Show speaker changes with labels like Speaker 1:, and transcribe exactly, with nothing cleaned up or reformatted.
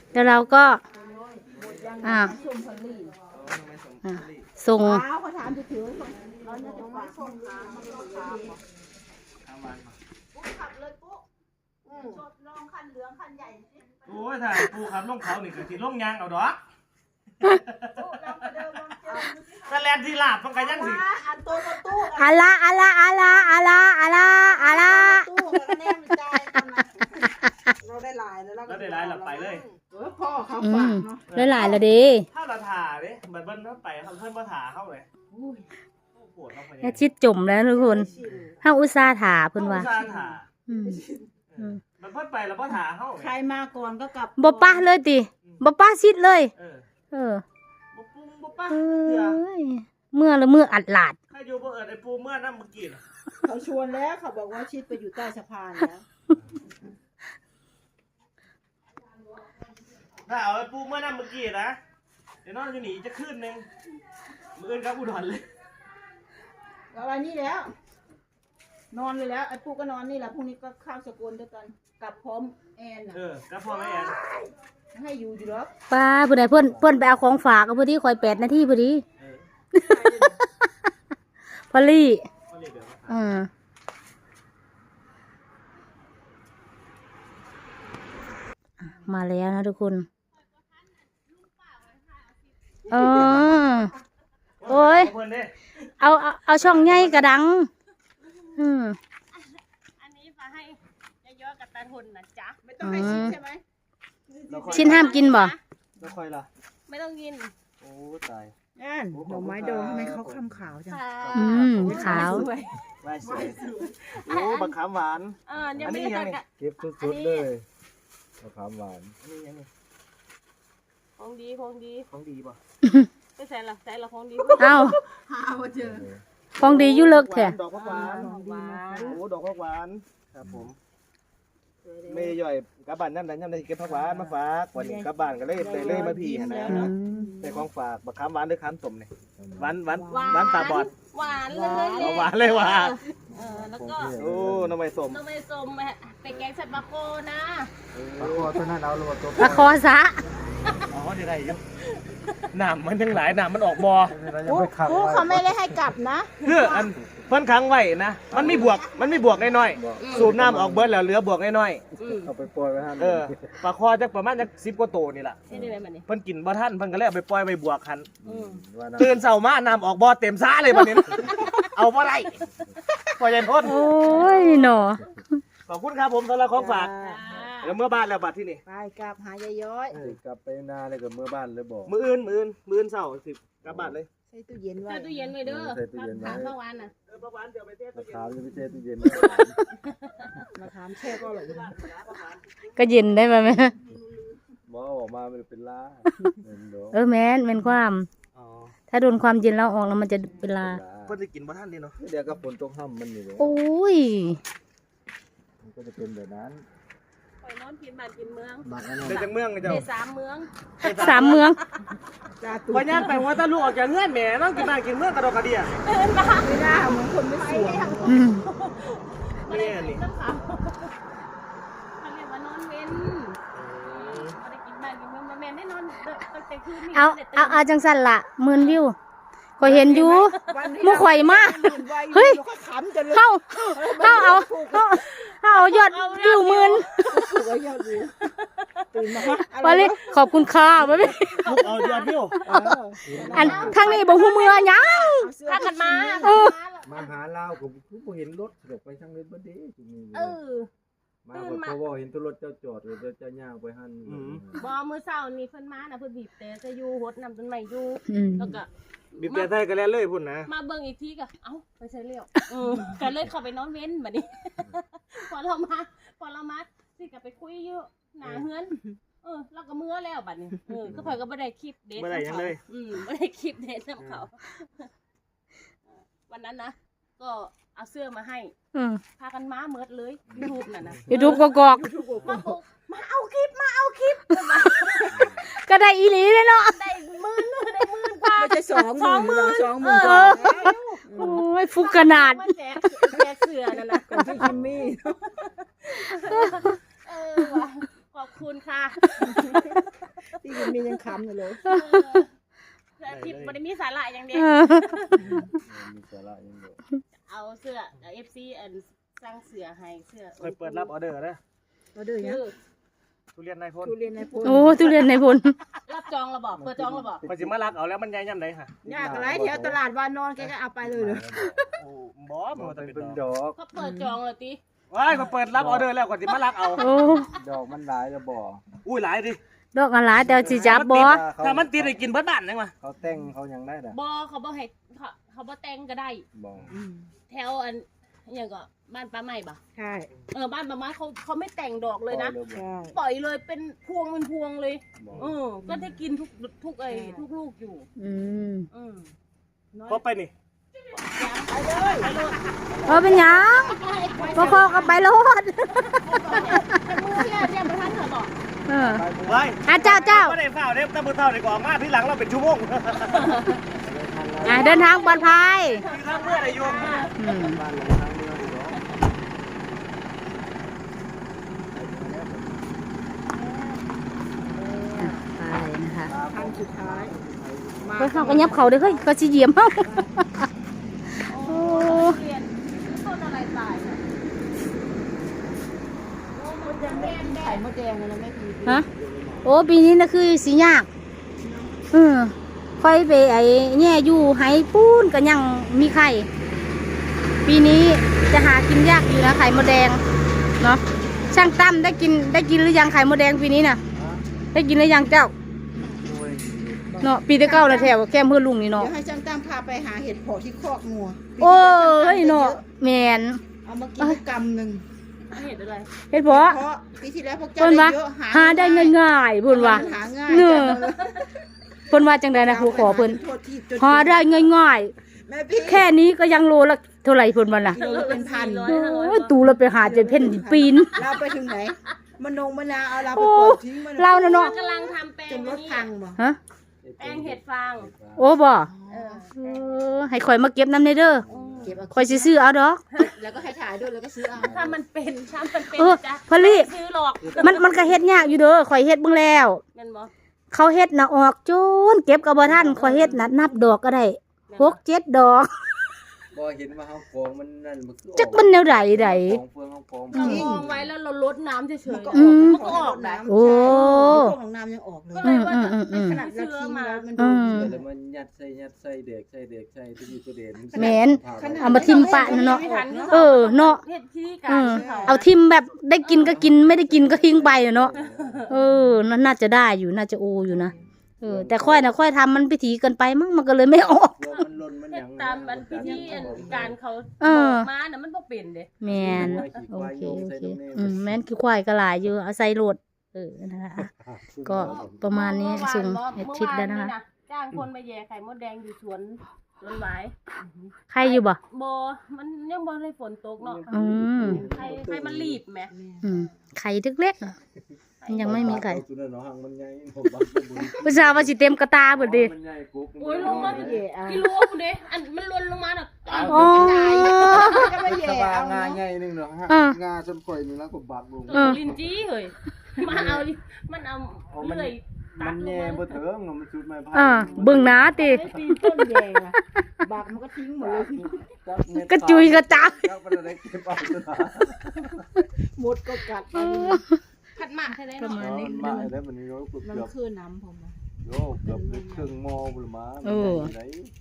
Speaker 1: แล้วเราก็อ่าส่ง
Speaker 2: โอ้ยถ้าปูขับลงเขานี่ก็สิลงยางเอาดอกแต่แลนที่ลาบต้องกันยังสิ
Speaker 1: อะละอะละอะละอะละอะละอะละ
Speaker 3: เราได้หลายแล้ว
Speaker 2: แล้วได้หลายหลับไปเลย
Speaker 3: เออพ่อเขา
Speaker 1: อื
Speaker 3: ฝาม กเนาะ
Speaker 1: ได้หลายแล้วดิ
Speaker 2: ถ้าเราถ่าเด้เหมือนเบิ้ลเขาไปเขาเพิ่นมาถ่าเข้าเลยปวดเข้าไป
Speaker 1: แค่ชิดจมแล้วทุกคนห้าอุตส่าห์ถาเพิ่นว่า
Speaker 2: ซาถ่า
Speaker 1: อืมอืม
Speaker 2: มันเพิ่นไปแล้วพ่ถ่าเข้า
Speaker 3: ใครมาก่อนก็กลับ
Speaker 1: บ่ป้าเลยติบ่ป้าชิดเลย
Speaker 2: เออ
Speaker 1: เออ
Speaker 2: บ่ปุ้งบ่ป้า
Speaker 1: เอ
Speaker 2: เถื่อ้
Speaker 1: ยเมื่อละเมื่ออัดหลาด
Speaker 2: ใครอยู่บ่เอิดไอ้ปูเมื่อน้ำเมื่อกี้น่ะ
Speaker 3: เขาชวนแล้วเขาบอกว่าชิดไปอยู่ใต้สะพานแล้ว
Speaker 2: ถ้าเอาไอ้ปูเมื่อน้ำเมื่อกี้นะเดี๋ยวนอนอยู่นี่จะขึ้นนึงมื้ออื่นกับอุดรเลย
Speaker 3: แล้ววันนี้แล้ว นอนเลยแล้วไอ้ปุ๊กก็นอนนี่แหละพรุ่งนี้ก็ข้าวสกุลด้วยกันกลับพร้อมแอนน่ะ
Speaker 2: เออกับพ่อแม่แอน
Speaker 3: ให้อยู่อยู่หรอก
Speaker 1: ป้าผู้ใดเพิ่นเพิ่นไปเอาของฝากเอาพอดีคอยแปดนาทีพอดี
Speaker 2: เออ
Speaker 1: พอลี่
Speaker 2: เขาเรียกเดี๋ยว
Speaker 1: อืมมาแล้วนะทุกคนเออโอ้ย
Speaker 2: เพิ่นเด้
Speaker 1: เอาเอาเอาช่องใหญ่กระดัง อืม
Speaker 4: อันนี้มาให้เยอะๆกับตาทุนนะจ๊ะ
Speaker 3: ไม่ต้องให้ชิดใช่ไหม
Speaker 1: ชิ้นห้ามกินบ่
Speaker 2: แล้วค่อยล่ะ
Speaker 4: ไม่ต้องกิน
Speaker 2: โอ้ตาย
Speaker 3: แอนดอกไม้ดองทำไมเขาคำขาวจัง
Speaker 4: ค่ะ
Speaker 1: อืมขาว
Speaker 3: สวย
Speaker 2: ไม่สวยโอ้บักขามหวาน
Speaker 4: เออยังไม่ได้ตัดกะ
Speaker 5: เก็บสุดๆเลยมะขามหวาน
Speaker 2: อันนี้ยังไง
Speaker 4: ของดีของดี
Speaker 2: ของดีป่ะ
Speaker 4: ไปใส่ละใส่ละของดี
Speaker 1: เอา
Speaker 3: หาว่าเจอ
Speaker 1: ของดีอยู่เลิกแท้
Speaker 2: ดอกผักหวาน
Speaker 4: หวาน
Speaker 2: โอ้ดอกผักหวานครับผมไม่ย่อยกลับบ้านย่ำใดย่ำใดเก็บผักหวานมาฝากวันนี้กลับบ้านก็เลยได้เลยมาพี่หั่นนะ
Speaker 1: อืม
Speaker 2: ได้ของฝากบักขามหวานหรือขามส้มเนี่ยหวานหวานหวานตาบอด
Speaker 4: หวานเลย
Speaker 2: เอาหวานเลยว่ะ
Speaker 4: เออแล้วก็
Speaker 2: โอ้น้ำใบส้ม
Speaker 4: ต้องไปส้มไปแกงใส่ปลาโคนะ
Speaker 5: ปลาคอตัวนั้นเอาลงตัว
Speaker 1: ละคอซะ
Speaker 2: อ๋อได้ได้อยู่น้ำมันทั้งหลายน้ำมันออกบ่อ
Speaker 5: เรายังไม่ขับ
Speaker 3: ปุ๊กเขาไม่ได้ให้กลับนะ
Speaker 2: คืออันเพิ่นค้างไว้นะมันมีบวกมันมีบวกน้อยๆสูบน้ำออกเบิดแล้วเหลือบวกน้อย
Speaker 5: เอาไปปล่อยไว้ห้า
Speaker 2: ๆเออปลาคอจักประมาณจักสิบกว่าโตวนี่ล่ะ
Speaker 4: นี่ได้ไหมมันนี่
Speaker 2: เพิ่นกินบ่ทันเพิ่นก็เลยเอาไปปล่อยไปบวกคัน
Speaker 4: อืม
Speaker 5: ว่าน้
Speaker 2: ตื่นเช้ามาน้ำออกบ่อเต็มซ่าเลยบัดนี้นะ เอาบ่ได้พ่อใหญ่พ้น
Speaker 1: โอ้ยหนอ
Speaker 2: ขอบคุณครับผมสำหรับของฝากเดี๋ยวเมื่อบ้านแล้วบัดที่นี่
Speaker 3: ไปกลับหายายย้อย
Speaker 5: ำกลับไปนาเลยกับเมื่อบ้านเลยบอก
Speaker 2: มื้ออื่นมื้ออื่นมื้ออื่นเช้าสิกลับบ้านเลย
Speaker 3: ใส่ตู้เย็นไว้
Speaker 4: ใส่ตู้เย็นไว้เด้อถามข้าวหวานน่ะ
Speaker 2: เออประมาณเดี๋ยวไปเทศ
Speaker 5: มะ
Speaker 2: ตู้เย็น
Speaker 5: ขามจะไม่ใช่ตู้เย็น
Speaker 3: มาถามแช่ก็อร่อยอยู่นะ
Speaker 1: ก็เย็นได้ไหมแม่
Speaker 5: หมอออกมามันเป็นล้าเงินดอก
Speaker 1: เออแม่นเป็นความ
Speaker 2: อ๋อ
Speaker 1: ถ้าโดนความเย็นแล้วออกแล้วมันจะเป็นลา
Speaker 2: เพิ่นสิกินบ่ทันดิเนาะ
Speaker 5: เดี๋ยวก็ฝนตกห้ำมันอยู่เลย
Speaker 1: โอ้ย
Speaker 5: มันก็จะเป็นแบบนั้น
Speaker 4: ปล่อยนอนกินบ้านกินเมือง
Speaker 5: หมักอันนั้น
Speaker 2: ได้จังเมืองกันเจ้า
Speaker 4: ได้สามเมือง
Speaker 1: สามเมือง
Speaker 3: ตาตุ้
Speaker 2: พอย่างไปว่าตาลูกออกจากเงื่อนแหม่น้องกินบ้านกินเมืองกระดอกกระเดีย
Speaker 3: ไม่ได้เหมือนคนไม่สวย
Speaker 1: อืม
Speaker 4: ไม่ได้กินน้ำขาวเขาเรียกว่านอนเว้นไม่ได้กินบ้านกินเมืองมาแม่ได้นอนตั้งแต่คืนนี้
Speaker 1: เอาเอาเอาจังสั่นละหมื่นวิวข่อยเห็นอยู่หมู่ข่อยมาก เฮ้ย
Speaker 3: เขาขำจนเลย
Speaker 1: เข้าเข้าเอาเข้าเข้าเอายอดวิวหมื่น
Speaker 3: สวยยอดวิวตื่นมาฮะ
Speaker 1: ไปเลยขอบคุณค่ะไปเลย
Speaker 2: ลูกเอายอดวิว
Speaker 3: เออ
Speaker 1: อันทางนี้บอกหูเมือหยัง
Speaker 3: เอาเสื้อ
Speaker 4: พากันมา
Speaker 1: เออ
Speaker 5: มาหาเราผมผมเห็นรถเดี๋ยวไปทางเล่นบ้านเด้จุนี่
Speaker 4: เออ
Speaker 5: มาเพราะว่าเห็นตัวรถเจ้าจอดเลยเจ้าเจ้าย่างไปหัน
Speaker 4: บอมือเศร้านี่เพิ่นมานะเพิ่นบีบแต่จะอยู่หดนำต้นไม้อยู่
Speaker 1: อืม
Speaker 4: แล้วก็
Speaker 2: บีบแต่ไทยกันแล้วเลยพุ่นนะ
Speaker 4: มาเบิ่งอีกทีก็เอ้าไปใส่เลี้ยวเออก็เลยเข้าไปนอนเว้นบัดนี้ พอเรามาพอเรามาสิก็ไปคุยอยู่หน้าเฮือนเออเราก็เมื่อแล้วบัดนี้เออก็เพิ่นก็บ่ได้คลิปเด็ด
Speaker 2: บ่ได้หยังเลย
Speaker 4: อืมบ่ได้คลิปเด็ดนำเขาวันนั้นนะก็เอาเสื้อมาให้
Speaker 1: อืม
Speaker 4: พากันมาเมิดเลยรูปนั่นน่ะ
Speaker 1: ยูทูบกอก
Speaker 4: มาบอกมาเอาคลิปมาเอาคลิป
Speaker 1: ๆก็ได้อีหลีเลยเนาะ
Speaker 4: ได้หมื่นได้หมื่นกว่า
Speaker 3: ไม่ใช่สองหมื่นหรอกสองหมื่น
Speaker 1: เออ โอ้ยฟุกขนาด
Speaker 4: มาแจกแจกเสื้อนั่นน่ะ
Speaker 3: กันที่คิมมี่
Speaker 4: เออว่ะขอบคุณค่ะ
Speaker 3: ที่มันมียังคำอยู่เลย
Speaker 4: แต่ทิปบ่ได้มีสาระอย่างเดีย
Speaker 1: เอ
Speaker 4: ว
Speaker 1: อ
Speaker 2: มีสาระยังอยู่
Speaker 4: เอาเสื้อ เอฟ ซี อันสร้างเสื้อให้เสื้อ
Speaker 2: เคยเปิดรับออเดอร์นะ
Speaker 3: มาดูอย่าง
Speaker 4: คือ
Speaker 2: ทุเรียนนายพล
Speaker 3: ทุเรียนในพล
Speaker 1: โอ้ทุเรียนในพล
Speaker 4: รับจองระบอกเปิดจองระบอก
Speaker 2: พอสิมารักเอาแล้วมันใหญ่ย่ำไหนค่ะ
Speaker 3: ยากอะไรแถวตลาดวานนอนแกก็เอาไปเลยเลย
Speaker 2: โอ้บอสมันจะเป็นดอก
Speaker 4: เขาเปิดจองเลยติ
Speaker 2: ว้ายเขาเปิดรับออเดอร์แล้วก่อนสิมารักเอา
Speaker 1: โอ้
Speaker 5: ดอกมันหลายแล้วบ่
Speaker 2: อุ้ยหลายดิ
Speaker 1: ดอกอะไรแต่สิจับบ่
Speaker 2: ถ้ามันติดให้กินเบิดบ้านจังวะ
Speaker 5: เขาแต่งเขายังได้ด่ะ
Speaker 4: บอเขาบ่ให้เขาเขาบ่แต่งก็ได้
Speaker 5: บ่
Speaker 4: แถวอันอหย่างก็บ้านป้าใหม่ปะ
Speaker 3: ใช่
Speaker 4: เออบ้านป้าใหม่เขาเขาไม่แต่งดอกเลยนะ
Speaker 3: ใช่
Speaker 4: ปล่อยเลยเป็นพวงเป็นพวงเลย
Speaker 5: บ่
Speaker 4: เออก็ได้กินทุกทุกไอ้ทุกลูกอยู่
Speaker 1: อืม
Speaker 4: อืมน้อย
Speaker 2: พอไปนี่
Speaker 4: ไปเลยไปเลย
Speaker 1: เออเป็นหยังบ่คอกับไปโลด
Speaker 4: แต่มือเนี่ยเนี่ยประธานเถอะบอก
Speaker 1: เออ
Speaker 2: ไว้
Speaker 1: อ่ะเจ้าเจ้า
Speaker 2: ไม่ได้เฝ้าเด้แต่มือเท่าดีกว่ามาที่หลังเราเป็นชั่วโมง
Speaker 1: อ่ะเดินทางปลอดภัย
Speaker 2: คือทางเมื่อไหร่โยม
Speaker 1: อืม
Speaker 5: บ้านหลังทางเมืองอยู่เนาะ
Speaker 1: ไปนะคะ
Speaker 3: คันสุดท้ายมา
Speaker 1: เฮ้ยเขาก็ยับเขาเด้อเฮ้ยก็สิเหยียบเฮา
Speaker 4: โอ้เรียนต้นอะไรตายเนี่ย
Speaker 3: มดแดงแดงไข่มดแดงเลยนะแม่พี
Speaker 1: ฮะโอ้ปีนี้น่ะคือสิยากเออค่อยไปไอ้แย่อยู่ไหปูนก็ยังมีไข่ ปีนี้จะหากินยากอยู่นะไข่มดแดงเนาะช่างตั้มได้กินได้กินหรือยังไข่มดแดงปีนี้น่ะ ได้กินหรือยังเจ้าเนาะปีที่เก้าแล้วแถวแก้มเพื่อนลุงนี่เนาะ
Speaker 3: เดี๋ยวให้ช่างตั้มพาไปหาเห็ดเผาะที่คอกงัว
Speaker 1: โอ้ยเนาะแมน
Speaker 3: เอามากินกำหนึ่ง
Speaker 4: เห็นอะไร
Speaker 1: เฮ็ดเพาะ
Speaker 3: เพราะปีที่แล้วพวกเจ้า
Speaker 1: เพิ่น
Speaker 3: ได้
Speaker 1: ว่า
Speaker 3: เยอะ
Speaker 1: หาได้ง่ายๆเพิ่นว่า
Speaker 3: หาง่าย
Speaker 1: เนอะ
Speaker 3: จังเลย
Speaker 1: เพิ่นว่าจังได๋นะครูขอเพิ่น
Speaker 3: โทษทีจน
Speaker 1: หาได้ง่าย
Speaker 3: แม่พี่
Speaker 1: ๆแค่นี้ก็ยังโลละเท่าไหร่เพิ่นว่าน่ะ
Speaker 3: กิโลละเป็นพัน
Speaker 4: ร้อย
Speaker 1: โ
Speaker 4: ห้าร้อย
Speaker 1: อ้ยตูเราไปหาจนเพ่นดิปีน
Speaker 3: เราไปถึงไหนมะนงมะนาวเอาเราไป
Speaker 1: โอ้
Speaker 3: ปล่อยทิ้งมัน
Speaker 1: เราน่ะเนาะ
Speaker 4: กำลังทำแปล
Speaker 3: จ
Speaker 4: ง
Speaker 3: นรถ
Speaker 4: นี่
Speaker 3: พังบ่
Speaker 1: ฮะ
Speaker 4: แปลงเห็ดฟาง
Speaker 1: โอ้บ่
Speaker 4: เออ
Speaker 1: เออให้ข่อยมาเก็บน้ำในเด้อ
Speaker 3: เก็บเอา
Speaker 1: ข่อยสิซื้อเอาดอก
Speaker 3: แล้วก็ให้ถ่ายด้วยแล้วก็ซื้อเอา
Speaker 4: ถ้ามันเป็นถ้ามันเป็น
Speaker 1: เออ
Speaker 4: จ้ะ
Speaker 1: พอลี่
Speaker 4: ซื้อหรอก
Speaker 1: มันมันก็เฮ็ดยากอยู่เด้อข่อยเฮ็ดเบิ่งแล้ว
Speaker 4: แม่นบ่
Speaker 1: เขาเฮ็ดน่ะออกจนเก็บก็บ่ทันข่อยเฮ็ดน่ะนับดอกก็ได้หกเจ็ดดอก
Speaker 5: บ่เห็นว่าเฮากองมันนั่นมันคือ
Speaker 1: จักมันแนวใดใด
Speaker 5: กองเฟืองเฮากอง
Speaker 4: เรามองไว้แล้วเราลดน้ำเฉย
Speaker 3: มันก็
Speaker 4: ๆ
Speaker 3: ออก
Speaker 4: มันก็ออกได้
Speaker 1: โอ้
Speaker 3: พวกของน้ำยังออกเลย
Speaker 4: ก็เลยว่า
Speaker 1: อืมอืมอืม
Speaker 3: ขนาดเราทิ้งแล้วมัน
Speaker 1: อื
Speaker 3: ดู
Speaker 1: ม
Speaker 5: เดี๋ยวแล้วมันยัดใส่ยัดใส่เด็กใส่เด็กใส่ทุกทีตัวเด่น
Speaker 1: แม่น เอามาทิ่มปะเนาะ เออเนาะ
Speaker 4: เฮ็ดที่กา
Speaker 1: เอ
Speaker 4: ร
Speaker 1: อ
Speaker 4: เขา
Speaker 1: เอาทิมแบบได้กินก็กินไม่ได้กินก็ทิ้งไปอะเนาะเออนั่นน่าจะได้อยู่น่าจะโออยู่นะเออแต่ค่อยนะค่อยทำมันพิถีเกินไปมั้งมันก็เลยไม่ออก
Speaker 5: เฟืองมันหล่นมันห
Speaker 4: เฮ็
Speaker 5: ยั
Speaker 4: ด
Speaker 5: ง
Speaker 4: ตามอันพิธีอันการเขา
Speaker 1: เออ
Speaker 4: บอกมาน่ะมันบ่เป็นเด้
Speaker 1: แมนโอเคโอเคอืมแมนคือควายก็หลายอยู่เอาใส่โหลดเออนะคะอ่ะก็ประมาณนี้ส่งเห็ดชิดแล้วนะคะ
Speaker 4: เมื่อวาจ้างคนมาแย่ไข่มดแดงอยู่สวนสวนหวาย
Speaker 1: ใครอยู่บ่
Speaker 4: บ่มันยังบ่ได้ฝนตกเนาะ
Speaker 1: อืม
Speaker 4: ไข่ไข่มันรีบแหม
Speaker 1: อืมไข่เล็กๆอะมันยังไม่มีไข่
Speaker 5: ตัวนั้นเนาะหังมันใหญ่ผมบักบุญ
Speaker 1: ผู้ชายว่าสิเต็มกระตาเบิดดิ
Speaker 5: มันใหญ่กุ๊ก
Speaker 4: โอ้ยลงมา
Speaker 3: แย่เอา
Speaker 4: กิโลพุ่นเด้อันมันหล่นลงมาน่ะ
Speaker 1: อ๋อ
Speaker 3: ก็ไม่แย่
Speaker 5: สบา
Speaker 3: เอา
Speaker 5: งา
Speaker 3: เนาะ
Speaker 5: ใหญ่นึงเนาะฮะ
Speaker 1: อ่า
Speaker 5: งาจนข่อยนี่แล้วก็บักลง
Speaker 1: เออ
Speaker 4: ลินจี้เฮ้ยมาเอาดิมันเอาเลื่อยตั
Speaker 5: มั
Speaker 4: ด
Speaker 5: น
Speaker 4: ล
Speaker 5: แย่
Speaker 4: ง
Speaker 5: บ่
Speaker 4: มา
Speaker 5: เถิงเนาะมันสุดไม้ไผ่
Speaker 1: อ่าเบิ่งหน้าติ
Speaker 3: ไม่ปีนต้นแย่อะบากมันก็ทิ้งหมดเลย
Speaker 1: กระจุยกระจาย
Speaker 5: จักมันได้เก็บเอาตัวน่ะ
Speaker 3: หมดก็กัดไป
Speaker 4: ผัดหมากใช่ไหม
Speaker 1: ประ
Speaker 4: เนาะ
Speaker 1: มาณนี้
Speaker 5: มันมาแล้วมันนี่เกือบ
Speaker 3: มัน
Speaker 5: เกือบ
Speaker 3: คือน้ำผมอะ
Speaker 5: โยเกือบครึ่งหม้อพุ่นมา
Speaker 1: เออ
Speaker 5: ไหน